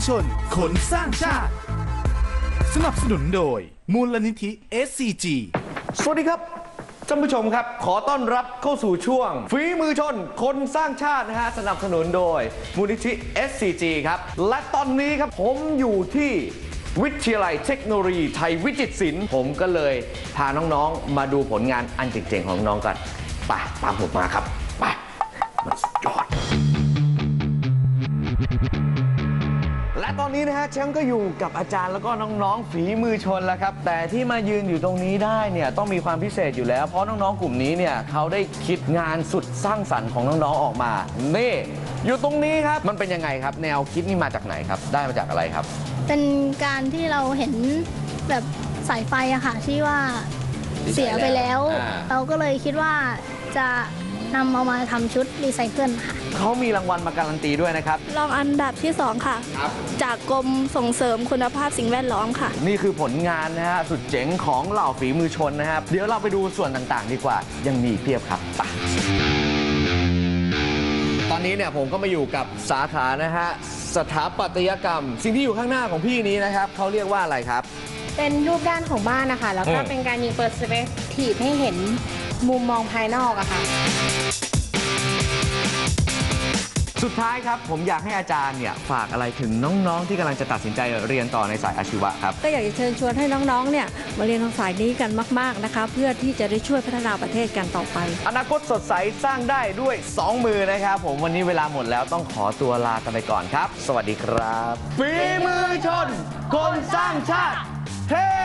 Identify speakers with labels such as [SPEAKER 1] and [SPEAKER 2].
[SPEAKER 1] ชนคนสร้างชาติสนับสนุนโดยมูลนิธิ SCG
[SPEAKER 2] สวัสดีครับท่านผู้ชมครับขอต้อนรับเข้าสู่ช่วงฝีมือชนคนสร้างชาตินะฮะสนับสนุนโดยมูลนิธิ SCG ครับและตอนนี้ครับผมอยู่ที่วิทยาลัยเทคโนโลยีไทยวิจิตรศิลป์ผมก็เลยพาน้องๆมาดูผลงานอันเจ๋งๆของน้องกันไปตามผมมาครับไปมันสุดยอดและตอนนี้นะฮะแชมป์ก็อยู่กับอาจารย์แล้วก็น้องๆฝีมือชนแล้วครับแต่ที่มายืนอยู่ตรงนี้ได้เนี่ยต้องมีความพิเศษอยู่แล้วเพราะน้องๆกลุ่มนี้เนี่ยเขาได้คิดงานสุดสร้างสรรค์ของน้องๆออกมานี่อยู่ตรงนี้ครับมันเป็นยังไงครับแนวคิดนี่มาจากไหนครับได้มาจากอะไรครับ
[SPEAKER 3] เป็นการที่เราเห็นแบบสายไฟอะค่ะที่ว่าเสียไปแล้วเราก็เลยคิดว่าจะนำเอามาทำชุดรีไซเคิลค่ะ
[SPEAKER 2] เขามีรางวัลมาการันตีด้วยนะครับ
[SPEAKER 4] รองอันดับที่ 2 ค่ะจากกรมส่งเสริมคุณภาพสิ่งแวดล้อมค่ะ
[SPEAKER 2] นี่คือผลงานนะฮะสุดเจ๋งของเหล่าฝีมือชนนะครับเดี๋ยวเราไปดูส่วนต่างๆดีกว่ายังมีเพียบครับไปตอนนี้เนี่ยผมก็มาอยู่กับสาขานะฮะสถาปัตยกรรมสิ่งที่อยู่ข้างหน้าของพี่นี้นะครับเขาเรียกว่าอะไรครับ
[SPEAKER 5] เป็นรูปด้านของบ้านนะคะแล้วก็เป็นการยิงเปอร์สเปกทีฟให้เห็นมุมมองภายนอกอะค่ะ
[SPEAKER 2] สุดท้ายครับผมอยากให้อาจารย์เนี่ยฝากอะไรถึงน้องๆที่กำลังจะตัดสินใจเรียนต่อในสายอาชีวะครับ
[SPEAKER 4] ก็อยากจะเชิญชวนให้น้องๆเนี่ยมาเรียนทางสายนี้กันมากๆนะคะเพื่อที่จะได้ช่วยพัฒนาประเทศกันต่อไป
[SPEAKER 2] อนาคตสดใสสร้างได้ด้วย2มือนะครับผมวันนี้เวลาหมดแล้วต้องขอตัวลากันไปก่อนครับสวัสดีครับฝีมือชนคนสร้างชาติเฮ้